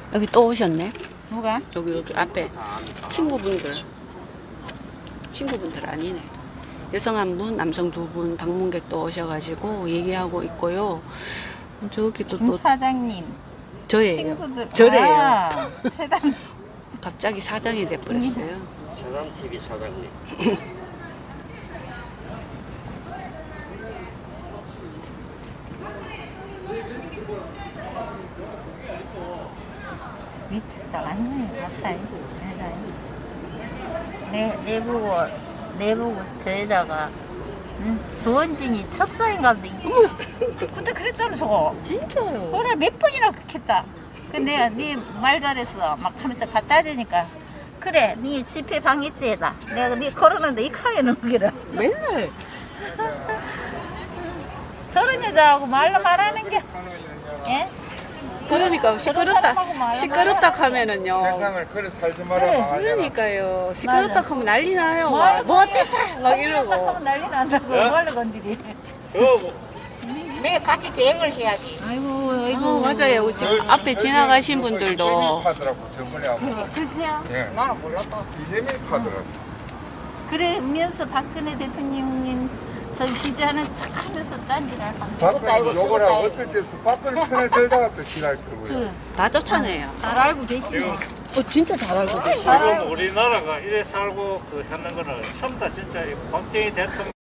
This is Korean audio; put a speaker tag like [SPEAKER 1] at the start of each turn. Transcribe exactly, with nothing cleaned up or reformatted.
[SPEAKER 1] 여기 또 오셨네.
[SPEAKER 2] 누가?
[SPEAKER 1] 여기 여기 앞에 친구분들. 친구분들 아니네. 여성 한 분, 남성 두 분 방문객 또 오셔가지고 얘기하고 있고요. 저기 또
[SPEAKER 2] 김
[SPEAKER 1] 또
[SPEAKER 2] 사장님
[SPEAKER 1] 저예요.
[SPEAKER 2] 친구들.
[SPEAKER 1] 저래요.
[SPEAKER 2] 아, 세단.
[SPEAKER 1] 갑자기 사장이 돼버렸어요.
[SPEAKER 3] 세단 티비 사장님.
[SPEAKER 2] 미치다 완전히 맞다. 내, 내 보고 내 보고 저에다가 응? 조원진이 첩사인가 보다. 그때 그랬잖아 저거.
[SPEAKER 1] 진짜요?
[SPEAKER 2] 그래 몇 번이나 그렇게 했다. 근데 내가 네 말 잘했어 막 하면서 갖다 주니까 그래 네 집회 방해죄다. 내가 네 걸었는데 이 칸에 넘기라.
[SPEAKER 1] 맨날.
[SPEAKER 2] 저런 여자하고 말로 말하는 게 예?
[SPEAKER 1] 그러니까 시끄럽다.
[SPEAKER 2] 사람하고 말로
[SPEAKER 1] 시끄럽다
[SPEAKER 2] 말하는
[SPEAKER 1] 하면은요.
[SPEAKER 4] 세상을 그래 살지 마라
[SPEAKER 2] 그래,
[SPEAKER 4] 망하잖아.
[SPEAKER 1] 그러니까요. 시끄럽다 하면 난리 나요.
[SPEAKER 2] 뭐,
[SPEAKER 1] 막. 뭐 어때서? 막
[SPEAKER 2] 하면
[SPEAKER 1] 이러고.
[SPEAKER 2] 난리 난다고 뭘로 건드리.
[SPEAKER 5] 매 같이 대응을 해야지.
[SPEAKER 2] 아이고
[SPEAKER 1] 어, 맞아요. 지금 앞에 지나가신 분들도.
[SPEAKER 4] 이재민 파더라고 저번에 하고.
[SPEAKER 2] 그치요?
[SPEAKER 4] 예.
[SPEAKER 5] 나는 몰랐다.
[SPEAKER 4] 이재민 파더라고.
[SPEAKER 2] 그러면서 박근혜 대통령님 저희 지지하는 척하면서 딴지를 한다.
[SPEAKER 4] 박근혜
[SPEAKER 5] 이거
[SPEAKER 4] 욕을 하고
[SPEAKER 5] 죽었다,
[SPEAKER 4] 어떨 때 박근혜 편을 들다가 또 싫어할 거고요.
[SPEAKER 1] 다 쫓아내요.
[SPEAKER 2] 잘 알고 계시네.
[SPEAKER 1] 어, 진짜 잘 알고 계시네.
[SPEAKER 2] 잘
[SPEAKER 6] 지금
[SPEAKER 2] 알고
[SPEAKER 6] 우리나라가 이래 살고 그 하는 거는 처음 다 진짜 이 박정희 대통령